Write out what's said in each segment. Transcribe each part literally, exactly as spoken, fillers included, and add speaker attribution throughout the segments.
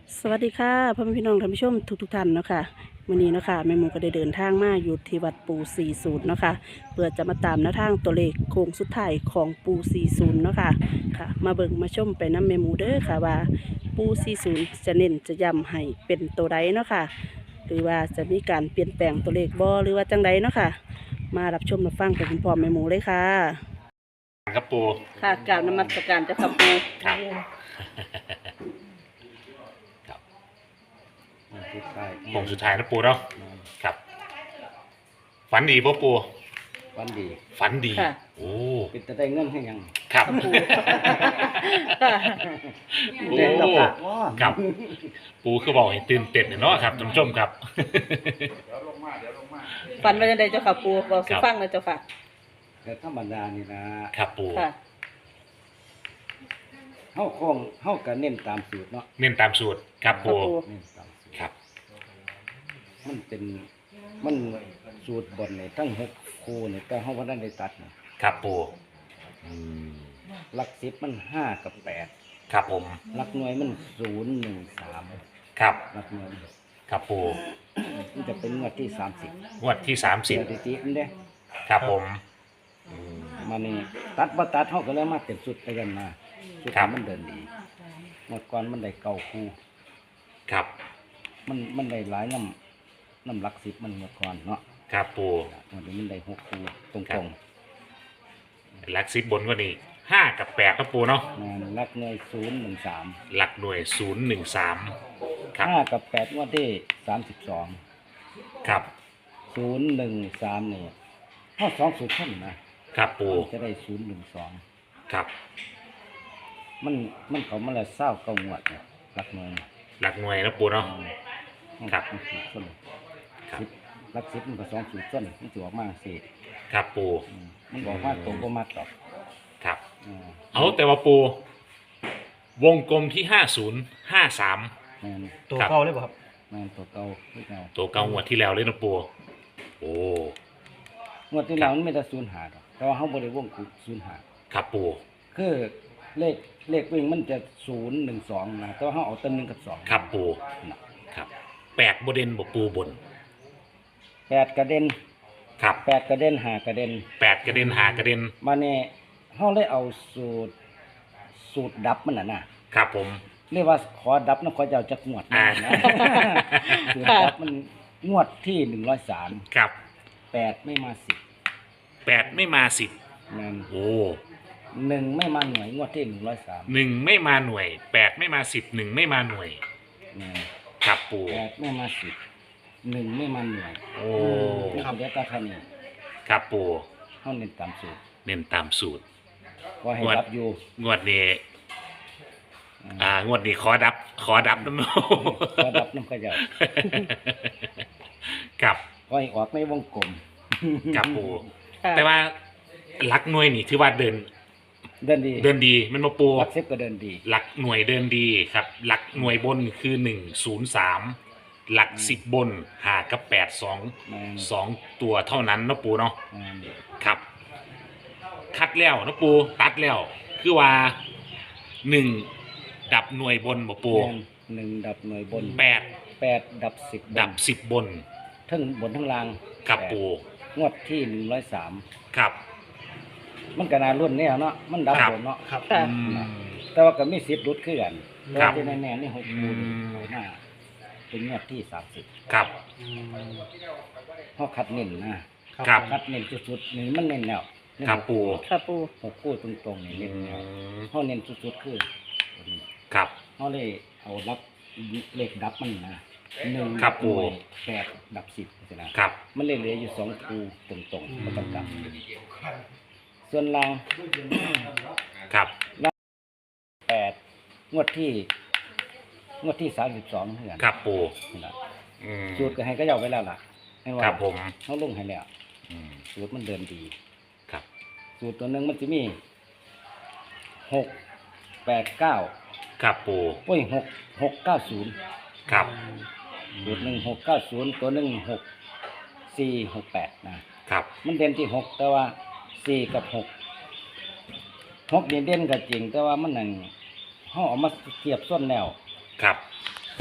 Speaker 1: สวัสดีค่ะพ่อแม่พี่น้องท่านผู้ชมทุกทุกท่านเนาะค่ะวันนี้เนาะค่ะแม่หมูก็ได้เดินทางมาอยู่ที่วัดปูสี่ศูนย์เนาะค่ะเพื่อจะมาตามแนวทางตัวเลขโค้งสุดท้ายของปูสี่ศูนย์เนาะค่ะค่ะ มาเบิ่งมาชมไปน้ำแม่หมูเด้อค่ะว่าปูสี่ศูนย์จะเน้นจะย้ำให้เป็นตัวใดเนาะค่ะหรือว่าจะมีการเปลี่ยนแปลงตัวเลขบ่หรือว่าจังใดเนาะค่ะมารับชมรับฟังไปพร้อมๆแม่หมูเลยค่ะ
Speaker 2: ครับปู
Speaker 1: ค่ะกราบนมัสการเจ้าค่ะปู
Speaker 2: ครับ ครับ
Speaker 3: มันสุดท้าย
Speaker 2: โค้งสุดท้ายนะปูเนาะครับ ฝันดีป่ะปู
Speaker 3: วันดี
Speaker 2: ฝันดี
Speaker 1: ค่ะ
Speaker 2: โอ้
Speaker 3: เป็นจะได้เงินให้ยัง
Speaker 2: ครับ
Speaker 1: ปู
Speaker 2: โอ้
Speaker 3: เล่นตะปากว่า
Speaker 2: ครับ ปูคือบอกให้ตื่นเต้นเนาะครับท่านผู้ชมครับ
Speaker 1: ฝันว่าจังใดเจ้าค่ะปูบอกสิฟังเลยเจ้าค่ะ
Speaker 3: แต่ธรรมดานี่นะครับ
Speaker 2: ปู
Speaker 1: ค่ะ
Speaker 3: เฮาคงเฮาก็เน้นตามสูตรเนาะ
Speaker 2: เน้นตามสูตรครับปู
Speaker 1: ครับปู
Speaker 3: เน้นตามสูตร
Speaker 2: ครับ
Speaker 3: มันเป็นมันสูตรบนนี่ทั้งหกคู่นี่แต่เฮาบ่ได้ได้ตัดนะครับ
Speaker 2: ปูอืม
Speaker 3: หลักสิบมันห้ากับแปด
Speaker 2: ครับผม
Speaker 3: หลักหน่วยมันศูนย์หนึ่งสาม
Speaker 2: ครับ
Speaker 3: หลักหน่วย
Speaker 2: ครับปู
Speaker 3: มันจะเป็นงวดที่สามสิบ
Speaker 2: งวดที่สามสิบ
Speaker 3: สถิติมันเด้
Speaker 2: ครับผมอืม
Speaker 3: มานี่ตัดบ่ตัดเฮาก็เลยมาเต็มสุดไปกันมาสุด
Speaker 2: ครับ
Speaker 3: มันเดินดีงวดก่อนมันได้เก้าคู่
Speaker 2: ครับ
Speaker 3: มันมันได้หลายน้ำน้ำหลักสิบมันเมื่อก่อนเนาะ
Speaker 2: ครับปู
Speaker 3: มันนี้มันได้หกคูตรง
Speaker 2: ครั
Speaker 3: ต
Speaker 2: บ
Speaker 3: รง
Speaker 2: หลักสิบบนกว่านี้ห้ากับแปดครับปูเนาะ
Speaker 3: งานลักเงยศูนย์หนึ่งสาม
Speaker 2: หลักหน่วยศูนย์หนึ่งสามครับ
Speaker 3: ห้ากับแปดงว่าที่สามสิบสอง
Speaker 2: ครับ
Speaker 3: ศูนย์หนึ่งสามนี่ข้อสองสูตรขึ้นนะครับ
Speaker 2: ปู
Speaker 3: จะได้ศูนย์หนึ่งสอง
Speaker 2: ครับ
Speaker 3: มันมันเขามาแล้วเศร้าเก้างวดเนี่ยลักเงย
Speaker 2: หลักหน่วยนะปูเนาะ ครับ
Speaker 3: มันสูตรส้น
Speaker 2: ครับ
Speaker 3: สิบลักสิบมันก็สองสูตรส้นมันจะออกมาสี่
Speaker 2: ครับปู
Speaker 3: อืมมันบอกว่าตรงก็มาตอบ
Speaker 2: ครับ
Speaker 3: อ่า
Speaker 2: เอาแต่ว่าปู วงกลมที่ห้าศูนย์ห้าสาม
Speaker 3: แม่น
Speaker 4: ตัว
Speaker 2: ครับ
Speaker 4: เก่าเลยป่ะครับ
Speaker 3: แม่นตัวเก่าที่เก่า
Speaker 2: ตัวเก่างวดที่แล้วเลยนะปูโอ้
Speaker 3: งวดที่แล้วมันไม่ได้ศูนย์หาดอกแต่ว่าเขาบริวงคือศูนย์หา
Speaker 2: ครับปู
Speaker 3: คือเลขเลขวิ่งมันจะศูนย์หนึ่งสองนะแต่ว่าเขาเอาต้นหนึ่งกับสอง
Speaker 2: ครับปู
Speaker 3: นะครับ
Speaker 2: แปดบเด่นบปูบน
Speaker 3: แปดกระเด็น
Speaker 2: ครับ
Speaker 3: แปดกระเด็นหากระเด็น
Speaker 2: แปดกระเด็นหากระเด็น
Speaker 3: มาเนี่ยเขาเลยเอาสูตรสูตรดับมันน่ะนะครับ
Speaker 2: ผม
Speaker 3: เรียกว่าขอดับนะขอจะเอาจากงวดมา
Speaker 2: อ่า
Speaker 3: นะ สูตรดับมันงวดที่หนึ่งร้อยสาม
Speaker 2: ครับ
Speaker 3: แปดไม่มาสิบ
Speaker 2: แปดไม่มาสิบ
Speaker 3: นั่น
Speaker 2: โอ้
Speaker 3: หนึ่งไม่มาหน่วยงวดที่หนึ่งร้อยสาม
Speaker 2: หนึ่งไม่มาหน่วยแปดไม่มาสิบหนึ่งไม่มาหน่วย
Speaker 3: นั่น
Speaker 2: ครับปู
Speaker 3: แปดไม่มาสิบหนึ่งไม่มาหน่วย
Speaker 2: โอ้
Speaker 3: ครับเดี๋ยวตาท่านนี่
Speaker 2: ครับปู
Speaker 3: เขาเน้นตามสูตร
Speaker 2: เน้นตามสูตร
Speaker 3: ว่าให้
Speaker 2: งวด
Speaker 3: รับอยู่
Speaker 2: งวดนี้ อ่างวดนี้ขอดับ ขอดับน้ำโน
Speaker 3: ก็รับน้ำขยะ
Speaker 2: กับ
Speaker 3: ก็ให้ออกในวงกลม
Speaker 2: กับปู
Speaker 1: ค่ะ
Speaker 2: แต่ว่าหลักหน่วยนี่ถือว่าเดิน
Speaker 3: เดินดี
Speaker 2: เดินดีมันมาปู
Speaker 3: รักเซฟก็เดินดี
Speaker 2: หลักหน่วยเดินดีครับ หลักหน่วยบนคือหนึ่งศูนย์สามหลักสิบบนหากับแปดสอง
Speaker 3: แม่น
Speaker 2: สองตัวเท่านั้นนะปูเนาะ
Speaker 3: แม่น
Speaker 2: ครับ คัดแล้วนะปูตัดแล้ว คือว่าหนึ่งดับหน่วยบนบ่ปู
Speaker 3: แม่นหนึ่งดับหน่วยบน
Speaker 2: แปด
Speaker 3: แปดดับสิบ
Speaker 2: ดับสิบบน
Speaker 3: ทั้งบนทั้งล่าง
Speaker 2: ครับ
Speaker 3: แปด
Speaker 2: ปู
Speaker 3: งวดที่หนึ่งร้อยสาม
Speaker 2: ครับ
Speaker 3: มันก็น่ารุ่นเนี่ยเนาะมันดับบนเนาะ
Speaker 4: ครับ
Speaker 1: ค่ะ
Speaker 2: อืม
Speaker 3: แต่ว่าก็มีสิบรุดขึ้นกันแต่
Speaker 2: ครั
Speaker 3: ว่า
Speaker 2: บ
Speaker 3: ที่แน่ๆนี่หกคูณ
Speaker 2: อืม
Speaker 3: เอาหน้าเป็นงวดที่สามสิบ
Speaker 2: ครับ
Speaker 3: เขาคัดเน้นนะครับ คัดเน้นสุดๆนี่มันเน้นแล้วเน้น
Speaker 2: ครับปู
Speaker 1: ค่ะปู
Speaker 3: หกคู่ตรงๆนี่
Speaker 2: อื
Speaker 3: เน้นแล้ว
Speaker 2: ม
Speaker 3: เขาเน้นสุดๆคือตัวนี้
Speaker 2: ครับ
Speaker 3: เขาเลยเอารับเลขดับมันนะหนึ่ง
Speaker 2: ครับ
Speaker 3: หน่วย
Speaker 2: ผม
Speaker 3: แปดดับสิบนะครับ มันเลยเหลืออยู่สองคูตรงๆก็ต้องกลับส่วนล่าง
Speaker 2: ครับ
Speaker 3: แปดงวดที่งวดที่สามสิบสองเหมือนกัน
Speaker 2: ครับปู
Speaker 3: นี่ล่ะ
Speaker 2: อืม
Speaker 3: สูตรก็ให้ก็ยาวไว้แล้วล่ะให้ว่า
Speaker 2: ครับผม
Speaker 3: เขาลงให้แล้ว
Speaker 2: อืม
Speaker 3: สูตรมันเดินดี
Speaker 2: ครับ
Speaker 3: สูตรตัวหนึ่งมันจะมีหกแปดเก้า
Speaker 2: ครับปู
Speaker 3: โอ้ยหกหกเก้าศูนย์
Speaker 2: ครับ
Speaker 3: สูตรหนึ่งหกเก้าศูนย์ตัวหนึ่งหกสี่หกแปดนะครับ มันเด่นที่หกแต่ว่าสี่กับหกหกเด่นเด่นก็จริง แต่ว่ามันหนึ่งเขาเอามาเทียบส้นแล้ว
Speaker 2: ครับ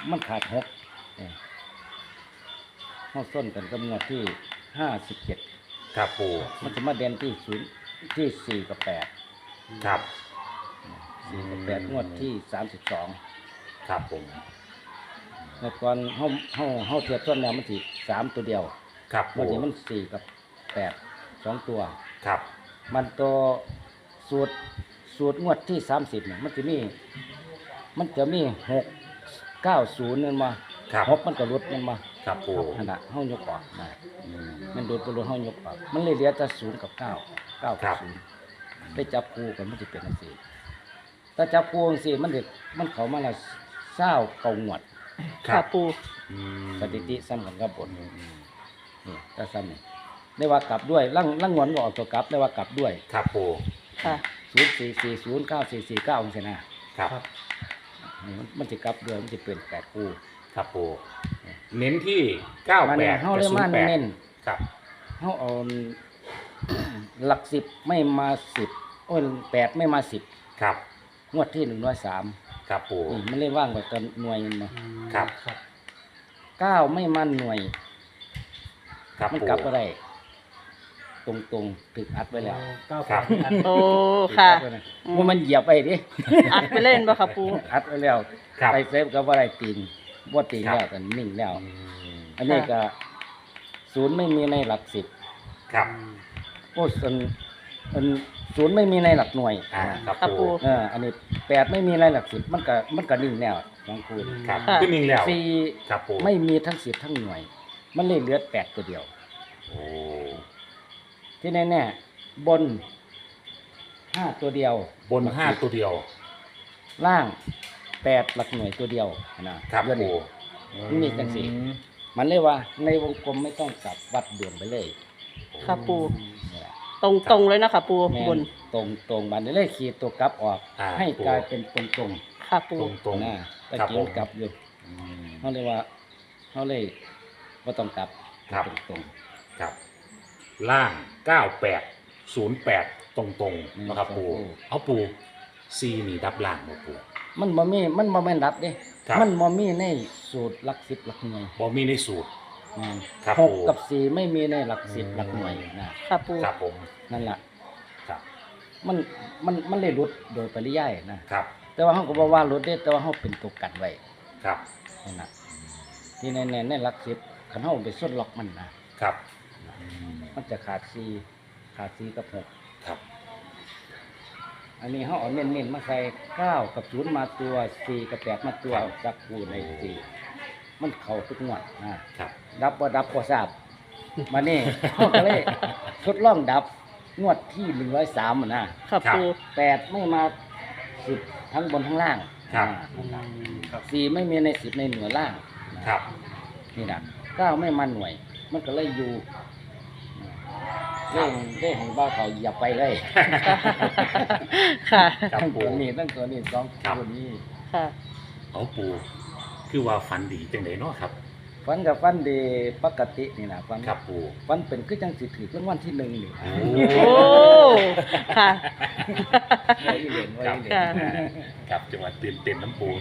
Speaker 3: มันขาดหกเนี่ยเข้าส้นกันกับงวดที่ห้าสิบเจ็ด
Speaker 2: ครับปู
Speaker 3: มันจะมาเด่นที่ศูนย์ที่สี่กับแปด
Speaker 2: ครับ
Speaker 3: สี่กับแปดงวดที่สามสิบสอง
Speaker 2: ครับผม
Speaker 3: เมื่อก่อนเขาเขาเขาเทียบต้นแล้วมันสี่สามตัวเดียว
Speaker 2: ครับ
Speaker 3: วัน
Speaker 2: ปู
Speaker 3: นี้มันสี่กับแปดสองตัว
Speaker 2: ครับ
Speaker 3: มันตัวสูตรสูตรงวดที่สามสิบเนี่ยมันจะมีมันจะมีหกเก้าศูนย์นั่นมา
Speaker 2: ครับ
Speaker 3: หกมันก็ลดนั่นมา
Speaker 2: ครับปู
Speaker 3: ขนาดห้องยกออกนะมันโดดตัวลดห้องยกออกมันเลยเหลือแต่ศูนย์กับเก้าเก้ากับศูนย์ได้จับคู่กันมันจะเป็นอันสี่ถ้าจับคู่อันสี่มันเด็กมันเขามาละเศร้าเก่าหวด
Speaker 1: ค่ะปู
Speaker 2: อืม
Speaker 3: สถิติซ้ำกันกับบทนี่ถ้าซ้ำนี่ได้ว่ากลับด้วยล่างล่างงวนก็ออกตัวกลับได้ว่ากลับด้วย
Speaker 2: ครับปู
Speaker 1: ค่ะ
Speaker 3: ศูนย์สี่สี่ศูนย์เก้าสี่สี่เก้าองศานะครับ นี่มันมันจะกลับด้วยมันจะเป็นแปดคู่
Speaker 2: ครับปูเน้นที่เก้า
Speaker 3: มัน
Speaker 2: แปด
Speaker 3: เฮา
Speaker 2: กับ
Speaker 3: เลย
Speaker 2: ศูน
Speaker 3: มา
Speaker 2: ย์แปด
Speaker 3: เน้น
Speaker 2: ครับ
Speaker 3: เฮาเอา หลักสิบไม่มาสิบโอ้ยแปดไม่มาสิบ
Speaker 2: ครับ
Speaker 3: งวดที่หนึ่งร้อยสาม
Speaker 2: ครับปู
Speaker 3: นี่มันเลยว่างกว่าตอนหน่วยมันมา
Speaker 2: ครับ
Speaker 3: เก้าไม่มาหน่วย
Speaker 2: ครับ
Speaker 3: มัน
Speaker 2: ปู
Speaker 3: กลับอะไรตรงตรงๆถึกอัดไว้แล้ว
Speaker 2: ครับ
Speaker 1: โอ้ค่ะ
Speaker 3: อัดไว้นะว่ามันเหยียบไปดิ
Speaker 1: อัดไปเล่นบ่ค่ะปู
Speaker 3: อัดไว้แล้ว
Speaker 2: ครับ
Speaker 3: ไปเซฟกับอะไรตีนบ่ตีน
Speaker 2: ครับ
Speaker 3: แล้วแต่นิ่งแล้ว
Speaker 2: อืม
Speaker 3: อันนี้ก็ศูนย์ไม่มีในหลักสิบ
Speaker 2: ครับ
Speaker 3: โอ้ส่วนอันศูนย์ไม่มีในหลักหน่วย
Speaker 2: อ่าครับ
Speaker 1: ครับปู
Speaker 2: ปู
Speaker 3: เอออันนี้แปดไม่มีในหลักสิบมันก็มันก็นิ่งแล้วสองคูณ
Speaker 2: ครับ
Speaker 1: ค่ะ
Speaker 2: ขึ้นนิ่งแล้ว
Speaker 3: สี่
Speaker 2: ครับปู
Speaker 3: ไม่มีทั้งสิบทั้งหน่วย มันเลยเหลือแปดตัวเดียว
Speaker 2: โอ้
Speaker 3: ที่แน่ๆบนห้าตัวเดียว
Speaker 2: บนห้าตัวเดียว
Speaker 3: ล่างแปดหลักหน่วยตัวเดียวนะครับ เดี๋ยว
Speaker 2: ปู
Speaker 3: นี้ มันมีจังสิ มันเลยว่าในวงกลมไม่ต้องกลับวัดด่วนไปเลย
Speaker 1: ค่ะปู
Speaker 3: นี่แหละ
Speaker 1: ตรงตรงๆเลยนะคะปู
Speaker 3: แม่น
Speaker 1: บน
Speaker 3: ตรงตรงๆมันเลยขีดตัวกลับออก
Speaker 2: อ่า
Speaker 3: ให้กลายเป็นตรงตรง
Speaker 1: ค่ะปู
Speaker 2: ตรงตรง
Speaker 3: ๆนะตะ
Speaker 2: ครับ
Speaker 3: กี้
Speaker 2: ผ
Speaker 3: มั
Speaker 2: ม
Speaker 3: นกลับอยู่
Speaker 2: อืม
Speaker 3: เขาเลยว่าเขาเลยว่าต้องกลับ
Speaker 2: ครับ
Speaker 3: ตรงตรง
Speaker 2: ครับ ล่างเก้าแปดศูนย์แปดตรงตรงๆนะครับปูเอาปูซีนี่ดับล่างบ่ปู
Speaker 3: ๆมันบ่มีมันบ่แม่นรับเด้
Speaker 2: ครับ
Speaker 3: มันบ่มีในสูตรหลักสิบหลักหน่วย
Speaker 2: บ่มีในสูตร
Speaker 3: อืม
Speaker 2: ครับ
Speaker 3: หก
Speaker 2: ผม
Speaker 3: กับสี่ไม่มีในหลักสิบหลักหน่วยนะ
Speaker 1: ค่ะปู
Speaker 2: ครับผม
Speaker 3: นั่นแหละ
Speaker 2: ครับ
Speaker 3: มันมันมันเลยหลุดโดยปริยายนะครับ แต่ว่าเขาก็บอกว่าหลุดได้แต่ว่าเขาเป็นตัวกันไว้
Speaker 2: ครับ
Speaker 3: นั่นนะที่ในในในหลักสิบขันเขาไปส้นล็อกมันนะครับ มันจะขาดสี่ขาดสี่กับหก
Speaker 2: ครับ
Speaker 3: อันนี้เขาเอาเน้นๆมาใส่เก้ากับศูนย์มาตัวสี่กับแปดมาตัวจับคู่ในสี่มันเข่าทุกงวดนะครับ ดับบ่ดับบ่ทราบมานี่ เขาก็เลยทดลองดับงวดที่หนึ่งร้อยสามนะ
Speaker 1: ค่ะปู
Speaker 3: แปดไม่มาสิบทั้งบนทั้งล่าง
Speaker 2: ครับ
Speaker 3: อ่าสี่ไม่มีในสิบในหน่วยล่างนะครับ นี่นะเก้าไม่มาหน่วย มันก็เลยอยู่เล่งเล่งบ้าเขาอย่าไปเลย
Speaker 1: ค่ะ
Speaker 2: ครับ
Speaker 3: ทั้ง
Speaker 2: ปู
Speaker 3: ตัวนี้ทั้งตัวนี้สอง
Speaker 2: ครับ
Speaker 3: ตัวนี้
Speaker 1: ค่ะ
Speaker 2: เอาปูคือว่าฝันดีจังไดเนาะครับ
Speaker 3: ฟันกับฟันดีปกตินี่นะฟัน
Speaker 2: ครับปู
Speaker 3: ฟันเป็นคือจังสิถือรางวัลที่หนึ่งนี่
Speaker 2: โอ้
Speaker 1: โอ้ค่ะ
Speaker 3: ไว้เหรียญไว้เหรียญ
Speaker 1: ค่ะ
Speaker 2: ครับจังหวะตื่นเต้นน้ำปู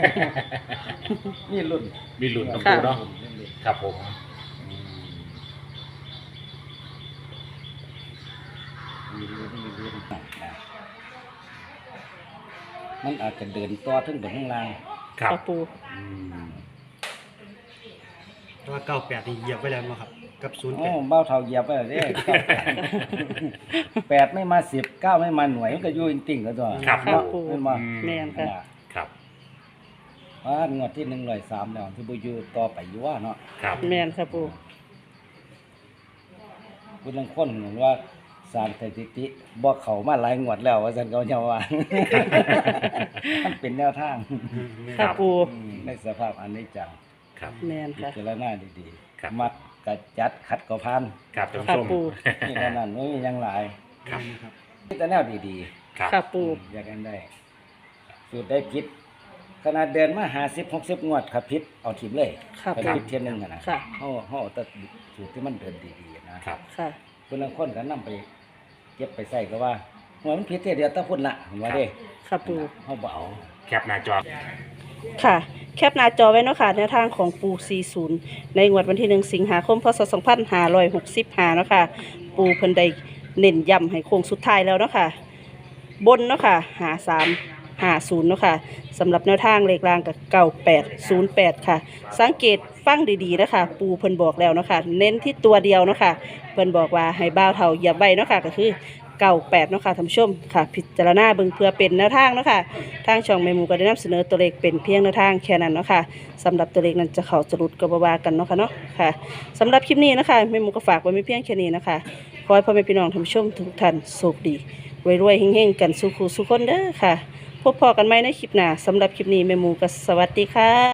Speaker 3: นี่รุ่น
Speaker 2: มีลุ้นน้ำปูเนาะ
Speaker 3: รุ่น
Speaker 2: ครับผม
Speaker 3: มีรุ่นมีรุ่นนะมันอาจจะเดินต่อถึงบนข้างล่าง
Speaker 2: ครับ
Speaker 1: ค่ะปู
Speaker 2: อืม
Speaker 4: แต่ว่าเก้าแปดนี่เหยียบไว้แล้วมั้งครับ กับศูนย์แป
Speaker 3: โอ้
Speaker 4: ด
Speaker 3: เบ้าเท่าเหยียบไปเลยเด้แปดไม่มาสิบเก้าไม่มาหน่วยมันก็อยู่จริงๆแล้วตัว
Speaker 2: ครับ
Speaker 1: ค่ะ
Speaker 3: เนาะ
Speaker 1: ปู
Speaker 3: ไม่มา
Speaker 1: แม่นค่ะ
Speaker 2: ครับ
Speaker 3: ว่างวดที่หนึ่งร้อยสามแล้วที่บุยูต่อไปอยู่ว่าเนาะ
Speaker 2: ครับ
Speaker 1: แม่นค่ะปู
Speaker 3: คุณลังคนเหมือนว่าสารสถิติบอกเขามาหลายงวดแล้วว่าสันเขาจะว่า มันเป็นแนวทาง
Speaker 1: ค่ะปู
Speaker 3: อืมในสภาพอันนี้จัง
Speaker 2: ครับ
Speaker 1: แม่น
Speaker 3: พิ
Speaker 1: ค่ะ
Speaker 3: จารณาดี
Speaker 2: ครับ
Speaker 3: ๆมัดกระจัดขัดก็พัน
Speaker 2: ครับท่าน
Speaker 1: ค่ะ
Speaker 2: ผู้ชม
Speaker 1: ปู
Speaker 3: นี่เท่านั้นไม่มีหยังหลาย
Speaker 2: ครับ
Speaker 4: ครับ
Speaker 3: นี่แต่แนวดีๆ
Speaker 2: ครับ
Speaker 1: ค่ะปู
Speaker 3: อยากกันได้สูตรได้พิษขนาดเดินมาหาสิบหกสิบงวดขับพิษเอาทิมเลย
Speaker 1: ค่ะ
Speaker 3: ขับ
Speaker 1: ปู
Speaker 3: พิษเทียนหนึ่งอะนะ
Speaker 1: ค่ะ
Speaker 3: เขาเขาเอาแต่สูตรที่มันเดินดีๆนะครับ
Speaker 1: ค่ะ
Speaker 3: คนละคนก็นำไปเก็บไปใส่ก็ว่าหัวมันพิษเท่ยเดียวแตะพุ่นละเห็นว่าเด้
Speaker 1: ค่ะปู
Speaker 3: เขาเบเอา
Speaker 2: แคปหน้าจอ
Speaker 1: ค่ะแคปหน้าจอไว้เนาะค่ะแนวทางของปูสี่สิบในงวดวันที่หนึ่งสิงหาคมพศสองพันห้าร้อยหกสิบห้าเนาะค่ะปูเพิ่นได้เน้นย้ำให้โค้งสุดท้ายแล้วเนาะค่ะบนเนาะค่ะหาสามหาศูนย์เนาะค่ะสำหรับแนวทางเลขรางกับเก้าแปดศูนย์แปดค่ะสังเกตฟังดีๆนะคะปูเพิ่นบอกแล้วเนาะค่ะเน้นที่ตัวเดียวเนาะค่ะเพิ่นบอกว่าให้บ้าวเท่าอย่าใบเนาะค่ะก็คือเก้าแปดเนาะค่ะท่านผู้ชมค่ะพิจารณาเบิ่งเพื่อเป็นแนวทางเนาะค่ะทางช่องแม่หมูก็ได้นำเสนอตัวเลขเป็นเพียงแนวทางแค่นั้นเนาะค่ะสำหรับตัวเลขนั้นจะเข้าจะหลุดก็บ่ว่ากันเนาะค่ะเนาะค่ะสำหรับคลิปนี้นะคะแม่หมูก็ฝากไว้ไม่เพียงแค่นี้นะคะขอให้พ่อแม่พี่น้องท่านผู้ชมทุกท่านโชคดีรวยๆเฮงๆกันสุขุสุขคนเด้อค่ะพบพอกันไหมในคลิปหน้าสำหรับคลิปนี้แม่หมูก็สวัสดีค่ะ